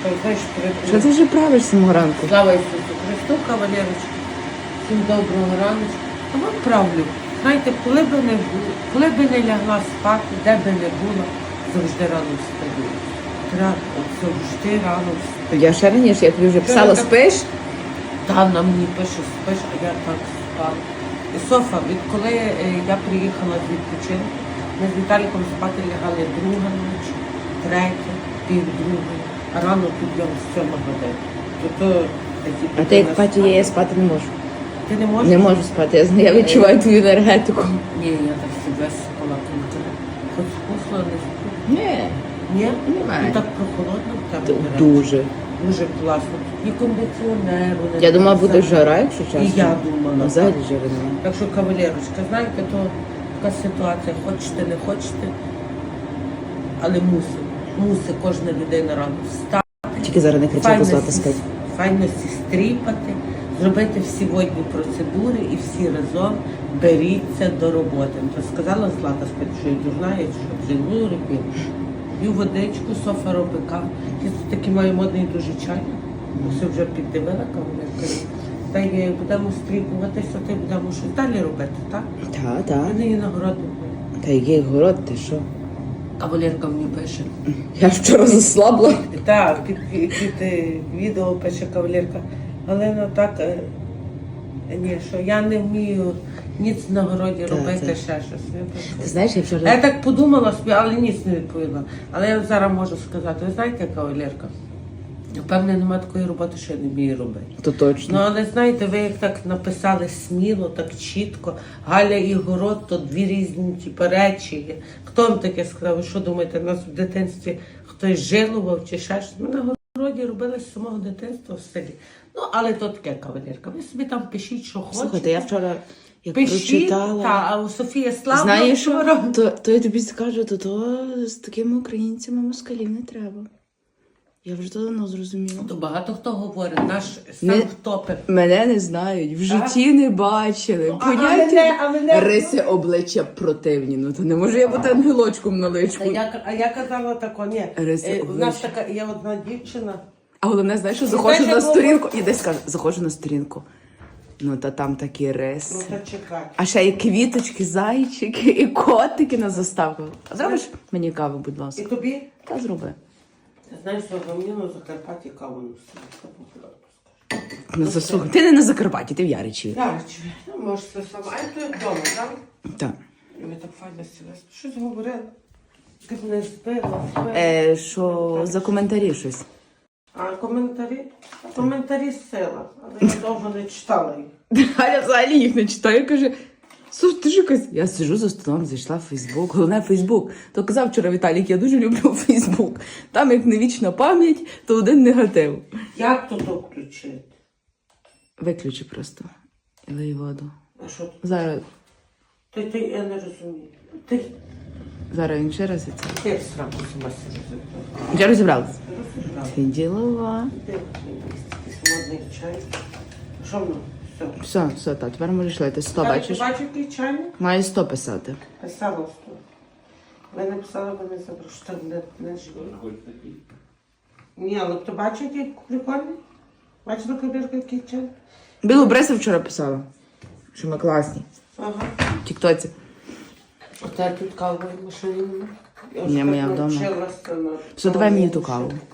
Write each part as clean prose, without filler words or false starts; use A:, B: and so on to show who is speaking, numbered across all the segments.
A: Так, знаєш,
B: Що ти вже правиш самого ранку?
A: Слава Ісусу Христу, кавалерочки. Всім доброго ранку. А вам правлю. Знаєте, коли би не лягла спати, де би не було, завжди рано встаю. Треба завжди рано встаю.
B: Я ще раніше, я тобі вже писала, спиш?
A: Та на мені пише, спиш, а я так спала. І Софа, відколи я приїхала з відпочинку, ми з Віталіком спати лягали друга ніч, третя, півдруга, а рано підйом з 7 годин.
B: А ти як Паті, я спати не можу.
A: Ти не можеш?
B: Не можу спати, я відчуваю твою енергетику.
A: Ні, я так себе спала кінця. Хоч вкусно не спала.
B: Ні.
A: Ні?
B: Немає.
A: Ну так прохолодно в тебе.
B: Дуже.
A: Дуже класно. І кондиціонеру. не
B: Я думала,
A: треба.
B: буде жара, якщо чесно.
A: І я думала.
B: Ну, взагалі жари немає.
A: Так що, кавалерочка, знаєте, то така ситуація, хочете, не хочете, але мусить кожна людина рано встати.
B: Тільки зараз не кричати, Злата спить.
A: Файно стріпати, зробити всі водні процедури і всі разом беріться до роботи. То сказала Злата спить, що я дурна, я що вже робити. П'ю водичку, Софа робить каву. Я тут такий маю модний дуже чай. Все вже піддивила кавалерка. Та й будемо стріпуватися, та й будемо щось далі робити, так?
B: Так.
A: Мене є нагороди.
B: Та який город, ти що?
A: Кавалерка мені пише.
B: Я вчора заслабла.
A: Так, під відео пише кавалерка. Галина, так, ні, що я не вмію ніц на городі робити, ще щось.
B: Ти знаєш, я вчора...
A: Я так подумала собі, але ніц не відповіла. Але я зараз можу сказати, ви знаєте, кавалерка? Напевне, немає такої роботи, що я не вмію робити.
B: То точно.
A: Ну, але знаєте, ви як так написали сміло, так чітко. Галя і город, то дві різні типу, речі є. Хто вам таке сказав? Ви що думаєте, нас в дитинстві хтось жилував чи ще щось? Ми на городі робили з самого дитинства в селі. Ну, але то таке, кавалерка. Ви собі там пишіть, що хочете.
B: Слухайте, я вчора як
A: Пишіть,
B: прочитала...
A: а у Софія Славна...
B: Знаєш що? То я тобі скажу, то з такими українцями москалів не треба. Я вже давно зрозуміла.
A: То багато хто говорить, наш сам топив.
B: Мене не знають, в житті не бачили.
A: А мене...
B: Риси обличчя противні. Ну то не можу я бути ангелочком на личку.
A: А я казала тако, ні.
B: Риси
A: У нас така, є одна дівчина.
B: А головне, знаєш, що заходжу на сторінку. І десь кажу, заходжу на сторінку. Ну та там такі риси.
A: Ну та чекай.
B: А ще і квіточки, зайчики, і котики на заставку. А зробиш мені каву, будь
A: І
B: ласка?
A: тобі?
B: Та зроби.
A: Ти знаєш, що за мені на Закарпатті каву не
B: Ну, заслухай. Ти не на Закарпатті, ти в Яричеві.
A: Яричеві, ну може це саме. А ти вдома, так?
B: Так.
A: І ми так файно сіли. Щось говорили. Ти мене збила.
B: Що за коментарі щось?
A: А коментарі? Коментарі сила. Але я довго не читала їх.
B: Галя взагалі їх не читає, каже, слухай, ти ж якась... Я сиджу за столом, зайшла в Фейсбук, головне Фейсбук. То казав вчора Віталік, я дуже люблю Фейсбук. Там як не вічна пам'ять, то один негатив.
A: Як тут включити?
B: Виключи просто. І лий воду.
A: А що тут?
B: Зараз
A: Я не розумію. Ти
B: він ще раз і це.
A: як сраку сама себе.
B: Вже розібралися? Ти ділова.
A: Ти якийсь модний чай. Що воно? Все.
B: Все, так, тепер можеш лити. 100, бачиш?
A: Бачиш, який чайник?
B: Має 100 писати.
A: Писала 100. Ви написали, ви не забрали, що не живі. Ні, але хто бачить, який прикольний? Бачила кабірка, який чайник?
B: Білу Бреса вчора писала, що ми класні.
A: Ага.
B: В тіктоці.
A: А та тут кавової машини немає? Я
B: Ні,
A: вже
B: моя
A: так
B: вдома.
A: навчилася на
B: Все, давай мені ту
A: кавовій
B: каву.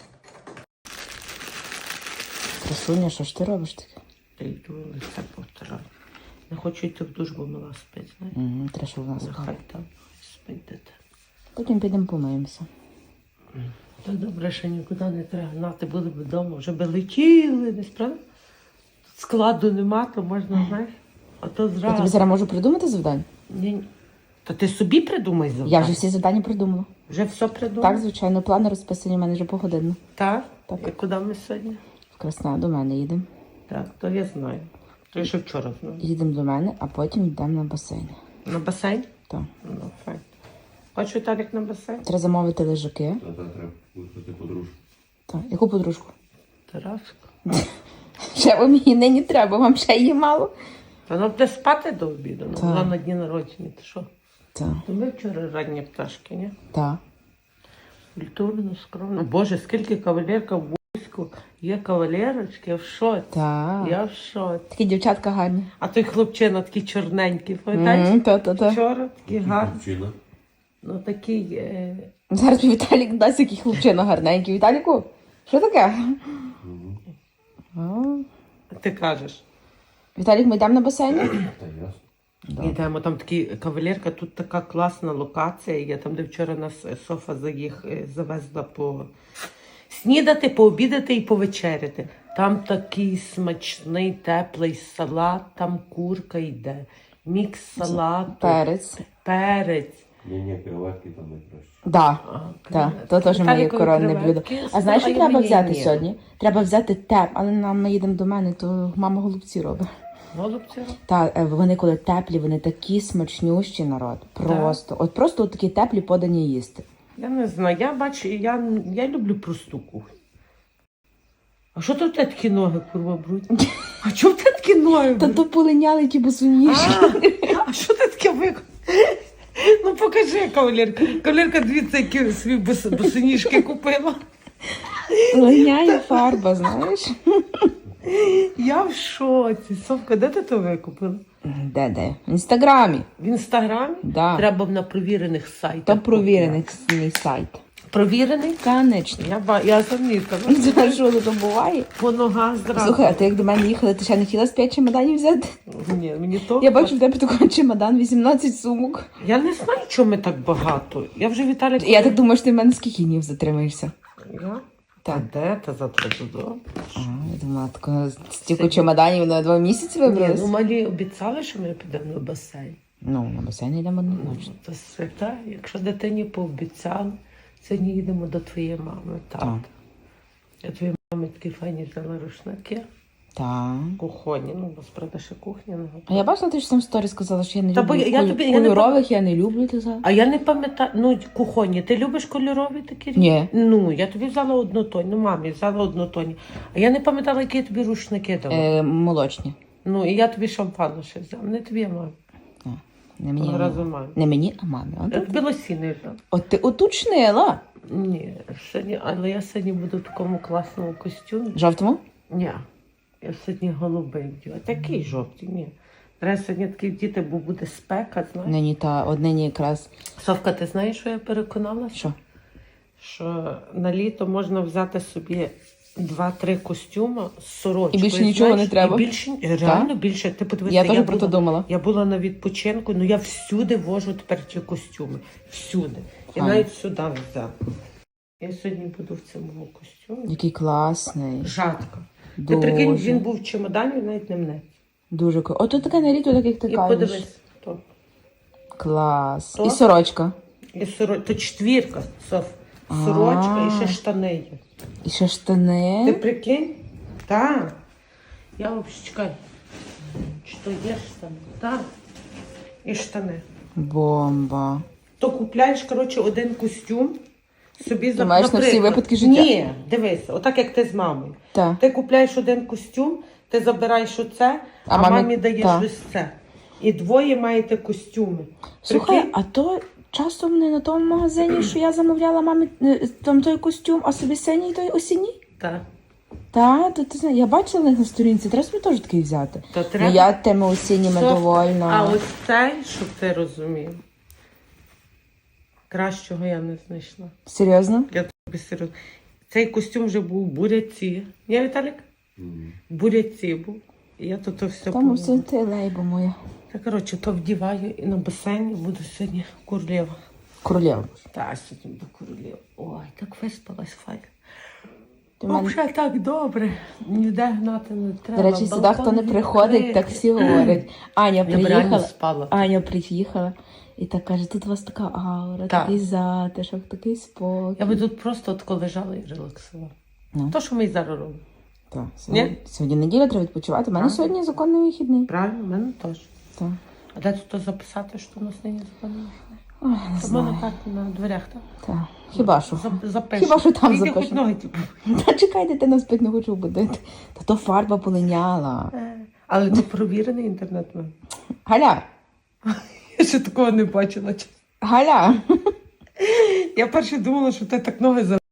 B: Красуня, що ж ти робиш таке?
A: Та йду, лице повторяю. Не хочу йти в душ, бо мала спить, знаєш?
B: Угу, треба, щоб в нас
A: Хай там спить дитина.
B: Потім підемо помиємося.
A: Та добре, що нікуди не треба гнати, були б вдома, вже би летіли, десь, правда? Складу нема, то можна, знаєш, а то
B: Я тобі
A: зразу.
B: зараз можу придумати завдання?
A: Ні. Та ти собі придумай завдання.
B: Я вже всі завдання придумала.
A: Вже все придумав?
B: Так, звичайно, плани розписані в мене вже погодинно.
A: Так?
B: Так.
A: І куди ми сьогодні?
B: В Красна до мене їдемо.
A: Так, то я знаю. То я ще вчора знаю.
B: Їдемо до мене, а потім йдемо на басейн.
A: На басейн?
B: Так.
A: Ну, файн. Хочеш Віталік на басейн?
B: Треба замовити лежаки.
C: Та треба виходити подружку.
B: Так. Яку подружку?
A: Тараску.
B: Ще вам її нині треба, вам ще її мало?
A: Та вона буде спати до обіду,
B: Так.
A: вона на дні народження, ти що?
B: Так.
A: То ми вчора ранні пташки, ні?
B: Так.
A: Культурно, скромно. Боже, скільки кавалерка в війську. Є кавалерочки, я в шоці.
B: Так.
A: Я в шоці.
B: Такі дівчатка гарні.
A: А той хлопчина такий чорненький, пам'ятаєш?
B: Та.
A: Вчора такий гарний.
C: Причина.
A: Ну такий.
B: Зараз мій Віталік дасть який хлопчина гарненький. Віталіку, що таке? А.
A: Ти кажеш.
B: Віталік, ми йдемо на басейн?
C: Та ясно.
A: Йдемо, там такий кавалерка, тут така класна локація. Я там, де вчора нас Софа завезла по снідати, пообідати і повечеряти. Там такий смачний, теплий салат, там курка йде, мікс салату, перець.
C: Ні, креветки там найкраще.
B: Да. Так, то теж моє коронне блюдо. А знаєш, що треба взяти сьогодні? Треба взяти але ми їдемо до мене, то мама голубці робить.
A: Голубці?
B: Так, вони коли теплі, вони такі смачнющі, народ. Просто. От просто от такі теплі подані їсти.
A: Я не знаю, я бачу, я люблю просту кухню. А що тут такі ноги, курва, брудні? А чому ти такі ноги?
B: Та то полиняли ті босоніжки.
A: А що ти таке виконав? Ну покажи, кавалерка. Кавалерка, дивіться, які свої босоніжки купила.
B: Линяє фарба, знаєш?
A: Я в шоці. Совка, де ти то викупила?
B: Де? В Інстаграмі.
A: В Інстаграмі?
B: Да.
A: Треба б на провірених сайтах.
B: То провірений сайт.
A: Провірений?
B: Конечно.
A: Я замітила.
B: Це що тут буває?
A: По ногах зразу.
B: Слухай, а ти як до мене їхала, ти ще не хотіла з 5 чемоданів взяти?
A: Ні, мені то.
B: Я бачу в тебе такий чемодан, 18 сумок.
A: Я не знаю, чому ми так багато. Я вже Віталій...
B: Я так думаю, що ти в мене скільки днів затримаєшся?
A: Я?
B: Так.
A: А де ти завтра додому?
B: Я думала, тако, стільки чемоданів на 2 місяці
A: Ні,
B: вибралися.
A: ну малі обіцяли, що ми підемо на басейн.
B: Ну, на басейн йдемо однозначно.
A: Це свята. Якщо дитині пообіцяли, сьогодні їдемо до твоєї мами. Так. Я твоїй мамі такі файні взяла рушники.
B: Так.
A: Кухонні. Ну, бо справді ще кухня не
B: А
A: готова.
B: я бачила, ти ж там в сторі сказала, що я не
A: Та бо
B: люблю
A: я тобі- я не
B: кольорових, я не люблю, ти сказала.
A: А я не пам'ятаю, ну, кухонні. Ти любиш кольорові такі речі?
B: Ні.
A: Ну, я тобі взяла однотонні. Ну, мамі взяла однотонні. А я не пам'ятала, які я тобі рушники дала.
B: Молочні.
A: Ну, і я тобі шампану ще взяла. Не тобі, а мамі.
B: Не мені,
A: Разом мамі.
B: не мені, а мамі.
A: Я тобі лосіни взяла.
B: От ти уточнила.
A: Ні, сьогодні, але я сьогодні буду в такому класному костюмі.
B: Жовтому?
A: Ні, я сьогодні голубий вділа. Такий жовтий, ні. Треба сьогодні такий вдіти, бо буде спека, знаєш.
B: Нині та однині якраз.
A: Совка, ти знаєш, що я переконалася?
B: Що?
A: Що на літо можна взяти собі 2-3 костюми з сорочкою.
B: І більше нічого не треба?
A: І більше, реально більше. Ти подивися,
B: Я теж про це думала.
A: Я була на відпочинку, ну я всюди вожу тепер ті костюми. Всюди. Я
B: Ага.
A: навіть сюди взяла. Я сьогодні буду в цьому костюмі.
B: Який класний.
A: Жадко. Ти
B: Дуже.
A: прикинь, він був в чемодані, навіть не мене.
B: Дуже круто. Ото таке на літо, так як ти
A: І
B: кажеш.
A: подивись, то.
B: Клас.
A: То?
B: І сорочка.
A: І то четвірка, Соф. Сорочка і ще штани є.
B: І ще штани.
A: Ти прикинь? Так. Я взагалі чекай. Чи то є штани? Так. І штани.
B: Бомба.
A: То купляєш, коротше, один костюм, собі
B: Ти маєш на всі
A: наприклад.
B: випадки життя?
A: Ні, дивись, отак як ти з мамою.
B: Так.
A: Ти купляєш один костюм, ти забираєш оце, а мамі даєш
B: так.
A: ось це. І двоє маєте костюми.
B: Слухай,
A: Прикинь?
B: а то часом не на тому магазині, що я замовляла мамі там той костюм, а собі синій той осінній?
A: Так.
B: Так, то ти знаєш, я бачила на їх на сторінці, треба собі теж такий взяти.
A: То
B: Ну,
A: треба.
B: я тими осінніми
A: Софа,
B: довольна.
A: А ось цей, щоб ти розумів, кращого я не знайшла.
B: Серйозно?
A: Я тобі серйозно. Цей костюм вже був в буряці. Ні, Віталік?
C: Мгм.
A: В буряці був. І я тут все
B: Тому
A: помила.
B: все ти лейбо моя.
A: Та, коротше, то вдіваю і на басейні буду сьогодні королева.
B: Королева.
A: Та, сьогодні буду королева. Ой, так виспалась файно.
B: Ти в мене...
A: Взагалі так добре. Ніде гнати не треба.
B: До речі, сюди
A: балкон
B: хто не приходить,
A: відкритий.
B: так всі говорять. Аня
A: Я б реально
B: приїхала.
A: спала.
B: Аня приїхала і так каже, тут у вас така аура,
A: Так.
B: такий затишок, такий спокій.
A: Я би тут просто тако лежала і релаксувала.
B: Ну.
A: То, що ми і зараз робимо.
B: Так, сьогодні неділя, треба відпочивати. У мене
A: Так.
B: сьогодні законний вихідний.
A: Правильно, в мене теж.
B: Так.
A: А де тут записати, що у нас нині законно?
B: Ой, не
A: То в мене
B: знаю.
A: так на дверях, так?
B: Так. Хіба що?
A: Запишу.
B: Хіба що там
A: Тільки
B: запишу.
A: хоч ноги, типу.
B: Та чекай, дитина спить, не хочу будити. Та то фарба полиняла.
A: Але це провірений інтернет в мене.
B: Галя!
A: Я ще такого не бачила.
B: Галя!
D: Я перше думала, що ти так ноги